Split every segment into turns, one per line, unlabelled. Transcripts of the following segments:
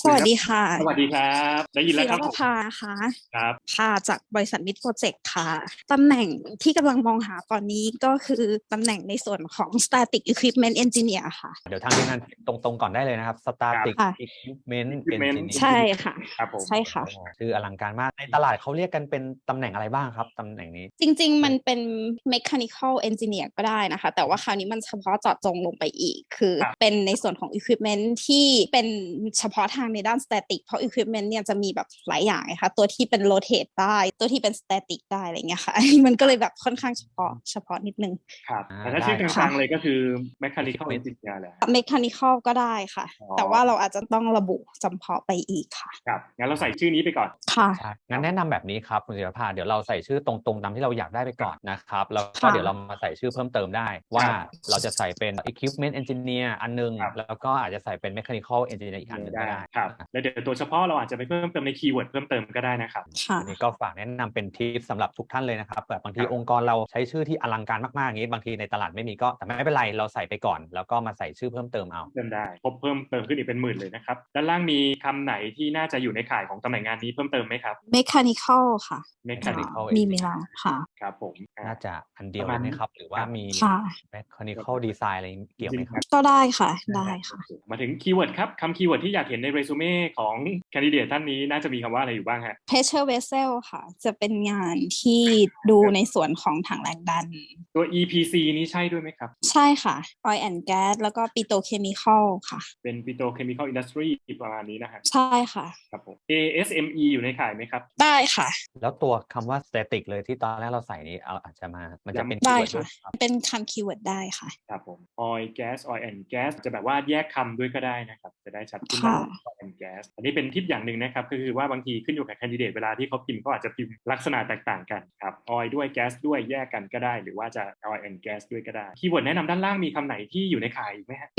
สวัสดีค่ะ
สวัสดีครับได้ยินแล้
ศิ
วครับผม
รประภาค่ะ
ครับ
ค่ะจากบริษัทมิดโปรเจกต์ค่ะตำแหน่งที่กำลังมองหาตอนนี้ก็คือตำแหน่งในส่วนของ Static Equipment Engineer ค่ะ
เดี๋ยวทางทีมงานตรงๆก่อนได้เลยนะครับ
ครับ
Static
ค่ะ
Equipment
Equipment
Engineer
ใช่ค่ะ
ครับผม
ใช่ค่ะ
ชื่ออลังการมากในตลาดเขาเรียกกันเป็นตำแหน่งอะไรบ้างครับตำแหน่งนี้
จริงๆมันเป็น Mechanical Engineer ก็ได้นะคะแต่ว่าคราวนี้มันเฉพาะเจาะจงลงไปอีกคือ
ครับ
เป็นในส่วนของ Equipment ที่เป็นเฉพาะทางในด้าน Static เพราะ Equipment เนี่ยจะมีแบบหลายอย่างนะคะตัวที่เป็น Rotate ได้ตัวที่เป็น Static ได้อะไรเงี้ยค่ะ มันก็เลยแบบค่อนข้างเฉพาะนิดนึง
ครับ
อ่า
แต่ถ้าชื่อก
ค่ะ
ลางๆเลยก็คือ Mechanical Engineer แหละ
Mechanical ก็ได้ค่ะ
อ๋อ
แต่ว่าเราอาจจะต้องระบุจำเพาะไปอีกค่ะ
ครับงั้นเราใส่ชื่อนี้ไปก่อน
ค่ะ
ใช่งั้นแนะนำแบบนี้ครับคุณศิรภาเดี๋ยวเราใส่ชื่อตรงๆตามที่เราอยากได้ไปก่อนนะครับแล้วก็
ค่ะ
เดี๋ยวเรามาใส่ชื่อเพิ่มเติมได้ว่า
ครับ
เราจะใส่เป็น Equipment Engineer อันนึง
ครับ
แล้วก็อาจจะใส่เป็น Mechanical Engineer อีกอันนึงก็ได้
ครับแล้วเดี๋ยวตัวเฉพาะเราอาจจะไปเพิ่มเติมในคีย์เวิร์ดเพิ่มเติมก็ได้นะครับ
ค่ะ
อันนี้ก็ฝากแนะนำเป็นทิปสำหรับทุกท่านเลยนะครับแบบบางที
ครับ
องค์กรเราใช้ชื่อที่อลังการมากๆอย่างนี้บางทีในตลาดไม่มีก็แต่ไม่เป็นไรเราใส่ไปก่อน แล้วก็มาใส่ชื่อเพิ่มเติมเอา
เติมได้พบเพิ่มเติมขึ้นอีกเป็นหมื่นเลยนะครับด้านล่างมีคำไหนที่น่าจะอยู่ในข่ายของตำแหน่งงานนี้เพิ่มเติมไหมครับ
Mechanical ค่ะ
Mechanical
มีไหมล่ะค่ะ
ครับผม
น่าจะอันเดียว
ประมาณ
เลยไหมครับหรือว่ามี
ค่ะ
Mechanical Design อะไรเกี่ยวไหมครับ
ก็ได้ค่ะ ได้ค่ะ
มาถึงคีย์เวิร์ดครับคำคีย์เวิร์ดที่อยากเห็นในเรซูเม่ของแคนดิเดตท่านนี้น่าจะมีคำว่าอะไรอยู่บ้างฮะ
Pressure Vessel ค่ะ จะเป็นงานที่ดูในส่วนของถังแรงดัน
ตัว EPC นี้ใช่ด้วยไหมครับ
ใช่ค่ะ Oil and Gas แล้วก็ Petrochemical ค่ะ
เป็น Petrochemical Industry ประมาณนี้นะฮะ
ใช่ค่ะ
ครับผม ASME อยู่ในข่ายไหมครับ
ได้ค่ะ
แล้วตัวคำว่า static เลยที่ตอนแรกเราใส่นี้เอาอาจจะมามันจะเป็น
ได้
keyword
ค่ะ
ด้วยครับ
เป็นคำคีย์เวิร์ดได้ค่ะ
ครับผม Oil Gas Oil and Gas จะแบบว่าแยกคำด้วยก็ได้นะครับจะได้ชัดขึ้น
ค่ะ
ว่า Oil and Gas อันนี้เป็นทิปอย่างหนึ่งนะครับก็คือว่าบางทีขึ้นอยู่กับแคนดิเดตเวลาที่เขาพิมพ์เขาอาจจะพิมพ์ลักษณะแตกต่างกันครับ Oil ด้วย Gas ด้วยแยกกันก็ได้ หรือว่าจะ Oil and Gas ด้วยก็ได้คีย์เวิร์ดแนะนำด้านล่างมีคำไหนที่อยู่ในข่ายอีกไหมฮะ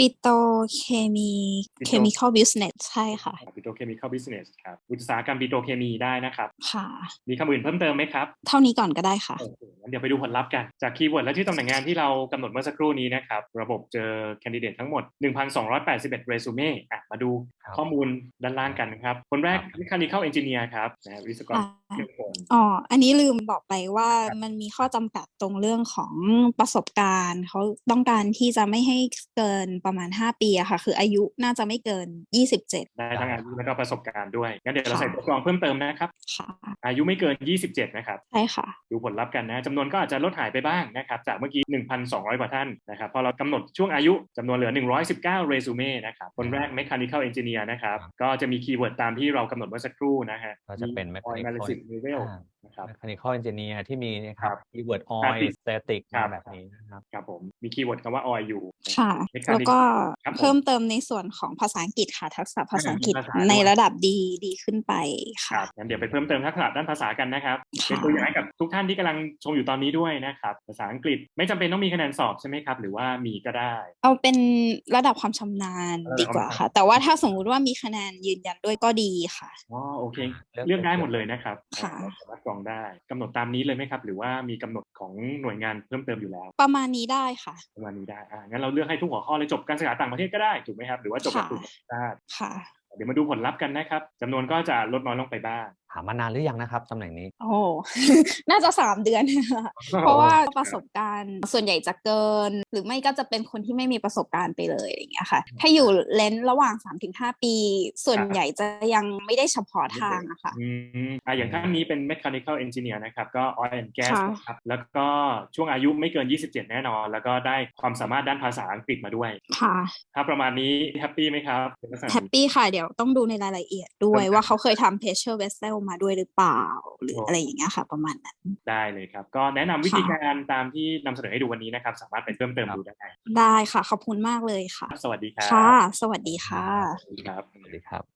Chemical Business ใช่ค่ะ
Petrochemical Business ครับอุตสาหกรรมปิโตรเคมีได้นะครับ
ค่ะ
มีคำอื่นเพิ่มเติมไหมครับ
เท่านี้ก่อนก็ได้ค่ะ
โอเคงั้นเดี๋ยวไปดูผลลัพธ์กันจากคีย์เวิร์ดและชื่อตำแหน่งงานที่เรากำหนดเมื่อสักครู่นี้นะครับระบบเจอแคนดิเดตทั้งหมด 1,281 เรซูเม่มาดูข้อมูลด้านล่างกันนะครับคนแรก Mechanical Engineer ครับนะวิศวกรเครื่องกล
อ๋อ อันนี้ลืมบอกไปว่า
ครับ
มันมีข้อจำกัดตรงเรื่องของประสบการณ์เขาต้องการที่จะไม่ให้เกินประมาณ 5 ปีอะค่ะ คืออายุน่าจะไม่เกิน 27
ได้ทั้งอายุและก็ประสบการณ์ด้วยงั้นเดี๋ยวเรา
ค่ะ
ใส่ตัวกรองเพิ่มเติมนะครับ
ค่ะ
อายุไม่เกิน 27 นะครับ
ใช่ค่ะ
ดูผลลัพธ์กันนะจำนวนก็อาจจะลดหายไปบ้างนะครับจากเมื่อกี้ 1,200 กว่าท่านนะครับพอเรากำหนดช่วงอายุจำนวนเหลือ 119 เรซูเม่นะครับคนแรก Mechanical Engineer นะครับก็จะมีคีย์เวิร์ดตามที่เรากำหนดเมื่อสักครู่นะฮะ
ก็จะเป็น
มี Oil Analysis Level นะครับ
Mechanical Engineer ที่มีนะค
ครั
รับ
บ
keyword oil
Static
static
ครั
มา
บ
แบบนี้นะครับ
ครับผมมีคีย์เวิร์ดคำว่า oil อยู่
ค่ะ
Mechanical
แล้วก็
ครับผม
เพิ่มเติมในส่วนของภาษาอังกฤษค่ะ ทักษะภาษาอังกฤษ
ภาษาด้วย
ในระดับดีขึ้นไป
ค
ค่ะ
รับงั้นเดี๋ยวไปเพิ่มเติมทักษะด้านภาษากันนะครับ
ค่ะ
เป็นตัวอย่างให้กับทุกท่านที่กำลังชมอยู่ตอนนี้ด้วยนะครับภาษาอังกฤษไม่จำเป็นต้องมีคะแนนสอบใช่ไหมครับหรือว่ามีก็ได้
เอาเป็นระดับความชำนาญดีกว่าค่ะ แต่ว่าถ้าสมมุติว่ามีคะแนนยืนยันด้วยก็ดีค่ะ
อ๋อโอเค
เลือก
เลือกได้หมดเลยนะครับ
ค่ะ
เราสามารถกรองได้กำหนดตามนี้เลยไหมครับหรือว่ามีกำหนดของหน่วยงานเพิ่มเติมอยู่แล้ว
ประมาณนี้ได้ค่ะ
ประมาณนี้ได้งั้นเราเลือกให้ทุกหัวข้อเลยจบการศึกษาต่างประเทศก็ได้ถูกไหมครับหรือว่าจบหลักสูตรนานาชาติ
ค่ะ
เดี๋ยวมาดูผลลัพธ์กันนะครับจำนวนก็จะลดน้อยลงไปบ้าง
หามานานหรือยังนะครับตำแหน่งนี้
โอ้ น่าจะ3 เดือน เพราะว่าประสบการณ์ส่วนใหญ่จะเกิน หรือไม่ก็จะเป็นคนที่ไม่มีประสบการณ์ไปเลยอย่างเงี้ยค่ะ ถ้าอยู่เลนส์ระหว่าง 3-5 ปี ส่วนใหญ่จะยังไม่ได้เฉพาะทางอะค่ะ
อย่างท่านนี้เป็น Mechanical Engineer นะครับก็ Oil and Gas
ค่ะ
นะครับแล้วก็ช่วงอายุไม่เกิน 27 แน่นอน แล้วก็ได้ความสามารถด้านภาษาอังกฤษมาด้วย
ค่ะ
ถ้าประมาณนี้แฮปปี้ไหมครับเป็นลักษณะ
แฮปปี้ค่ะ เดี๋ยวต้องดูในรายละเอียดด้วยว่าเขาเคยทำ pressure vessel มาด้วยหรือเปล่า หรืออะไรอย่างเงี้ยค่ะ ประมาณนั้น
ได้เลยครับ ก็แนะนำวิธีการตามที่นำเสนอให้ดูวันนี้นะครับ สามารถไปเพิ่มเติมดูได้
ได้ค่ะ ขอบคุณมากเลยค่ะ
สวัสดีครับ
ค่ะ สวัสดีค่ะ
สวัสดีครับ
สวัสดีครับ